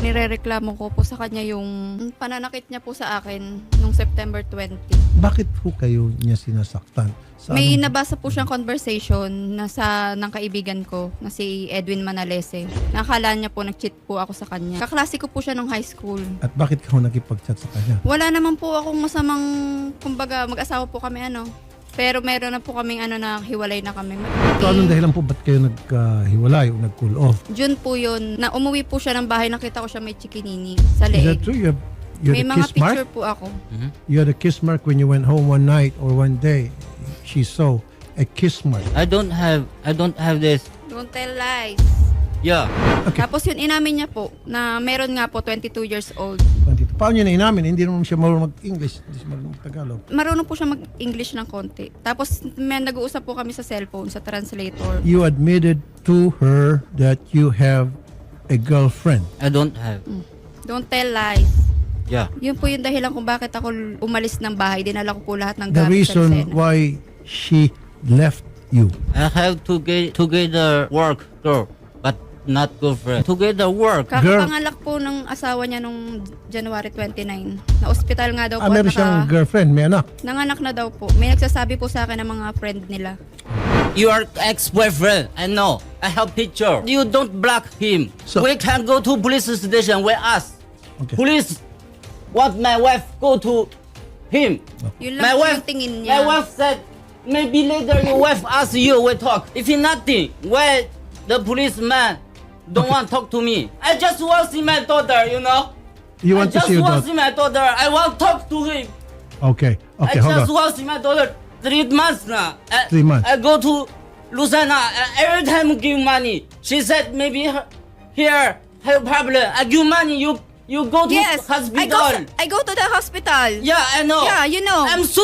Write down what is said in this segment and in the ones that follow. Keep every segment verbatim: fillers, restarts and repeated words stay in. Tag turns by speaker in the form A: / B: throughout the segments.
A: Nirereklamo ko po sa kanya yung pananakit niya po sa akin nung September twentieth.
B: Bakit po kayo niya sinasaktan? Sa
A: May
B: anong-
A: nabasa po siyang conversation na sa ng kaibigan ko na si Edwin Manalese. Nakakala niya po nag-cheat po ako sa kanya. Kaklase ko po siya nung high school.
B: At bakit ka ho nakipag-chat sa kanya?
A: Wala naman po akong masamang, kumbaga mag-asawa po kami ano. Pero meron na po kaming ano na hiwalay na kami.
B: So anong dahilan po ba't kayo nagkahiwalay o nag-cool off?
A: June po yun, na umuwi po siya ng bahay, nakita ko siya may chikinini sa
B: Is that
A: leeg.
B: true? You, have, you
A: May
B: had a
A: mga
B: kiss mark?
A: picture po ako.
B: You had a kiss mark when you went home one night or one day. She saw a kiss mark.
C: I don't have I don't have this.
A: Don't tell lies.
C: Yeah.
B: Okay.
A: Tapos yun inamin niya po na meron nga po twenty-two years old.
B: twenty-two. Paano niya na inamin? Hindi naman siya marunong mag-English. Hindi siya marunong mag-Tagalog.
A: Marunong po siya mag-English ng konti. Tapos may nag-uusap po kami sa cellphone, sa translator.
B: You admitted to her that you have a girlfriend.
C: I don't have.
A: Don't tell lies.
C: Yeah.
A: Yun po yung dahilan kung bakit ako umalis ng bahay. Dinala ko po lahat ng
B: The
A: gamit sa
B: reason
A: Lucena.
B: why she left you.
C: I have to get together work girl, but not girlfriend. Together work.
A: Kakapangalak po ng asawa niya nung January twenty-nine. Na ospital nga daw po.
B: Ah, meron
A: at
B: siyang
A: naka-
B: girlfriend, may anak.
A: Nanganak na daw po. May nagsasabi po sa akin ng mga friend nila.
C: Your ex-boyfriend. I know. I have picture. You don't block him.
B: So-
C: we can go to police station with us.
B: Okay.
C: Police want my wife go to him.
A: Yun lang
C: My
A: po
C: wife,
A: yung tingin
C: my
A: niya.
C: wife said, maybe later your wife ask you, we talk. If nothing, why the policeman don't want to talk to me? I just want to see my daughter, you know?
B: You
C: I
B: want to
C: just
B: see your
C: want to
B: daughter?
C: see my daughter. I want to talk to him.
B: Okay. Okay,
C: I
B: hold
C: just
B: on.
C: want to see my daughter three months now. I,
B: Three months.
C: I go to Lucena. I- every time give money. She said maybe her, here have problem. I give money. You you go to
A: Yes, I
C: hospital.
A: go, I go to the hospital.
C: Yeah, I know.
A: Yeah, you know.
C: I'm so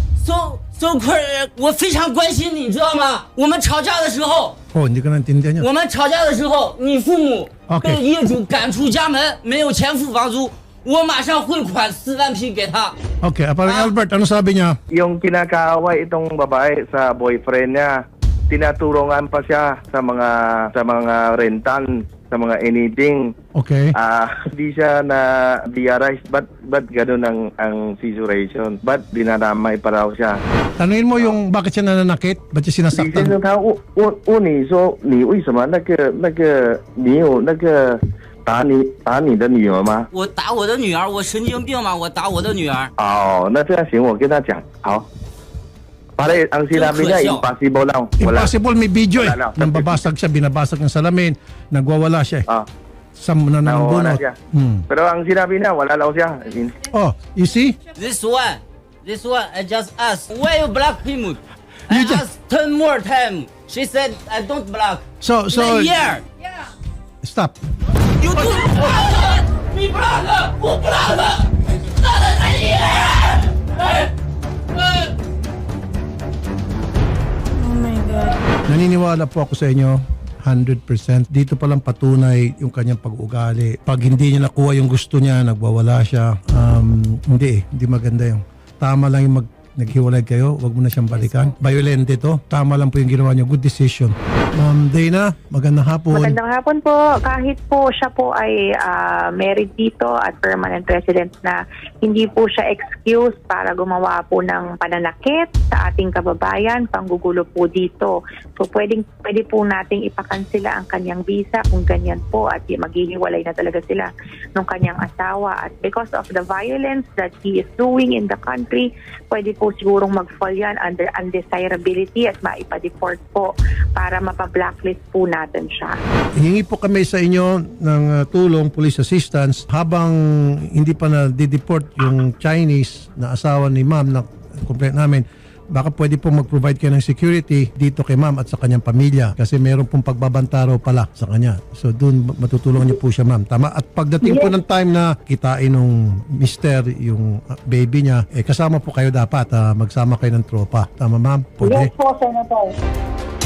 C: so so 我非常关心你，知道吗？我们吵架的时候，
B: Oh, hindi ko naintindihan yun.
C: 我们吵架的时候，你父母
B: OK
C: 被业主赶出家门，没有钱付房租，我马上汇款四万匹给他。
B: Okay, ah, parang
C: Ah.
B: Albert, ano sabi niya?
D: Yung kinakaaway itong babae sa boyfriend niya, tinatulungan pa siya sa mga sa mga rentan, sa mga anything.
B: Okay.
D: Ah, hindi siya na diarise, but but ganun ang ang situation. But dinadamay pa raw siya.
B: Tanungin mo yung bakit siya nananakit? Ba't siya
D: 李先
B: sinasaktan?
D: 生他问问问你说，你为什么那个那个你有那个打你打你的女儿吗？
C: 我打我的女儿，我神经病吗？我打我的女儿。
D: 哦，那这样行，我跟他讲，好。Pare, ang sinabi niya,
C: Yung
D: impossible lang. Wala.
B: Impossible, may video eh.
D: Wala lang.
B: Nang babasag siya, binabasag ng salamin, nagwawala siya eh.
D: Ah,
B: Sa na
D: nawawala
B: bunot.
D: siya.
B: Hmm.
D: Pero ang sinabi niya, wala lang siya.
B: Oh, you see?
C: This one, this one, I just asked, why you block him? I
B: You just-
C: asked ten more time. She said, I don't block.
B: So, so,
C: A year.
B: stop.
C: You do.你 block， 我 block。
B: Naniniwala po ako sa inyo, one hundred percent. Dito palang patunay yung kanyang pag-ugali. Pag hindi niya nakuha yung gusto niya, nagwawala siya. Um, hindi eh, hindi maganda yung. Tama lang yung mag naghiwalay kayo, wag mo na siyang balikan. Violent ito. Tama lang po yung ginawa niyo. Good decision. Ma'am Dana, magandang hapon.
E: Magandang hapon po. Kahit po siya po ay ah, married dito at permanent resident na, hindi po siya excuse para gumawa po ng pananakit sa ating kababayan, panggugulo po dito. So pwedeng, pwede po nating ipakansila ang kanyang visa kung ganyan po at maghihiwalay na talaga sila ng kanyang asawa. At because of the violence that he is doing in the country, pwede po sigurong mag-fall yan under undesirability at maipa-deport po para mapa-blacklist po natin siya.
B: Hingi po kami sa inyo ng uh, tulong, police assistance, habang hindi pa na-deport yung Chinese na asawa ni ma'am na complaint namin. Baka pwede po mag-provide kayo ng security dito kay ma'am at sa kanyang pamilya kasi meron pong pagbabantaro pala sa kanya. So doon matutulungan niyo po siya ma'am. Tama? At pagdating po ng time na kitain nung mister yung uh, baby niya, eh kasama po kayo dapat. Uh, magsama kayo ng tropa. Tama ma'am? Pwede?
E: po, Senator.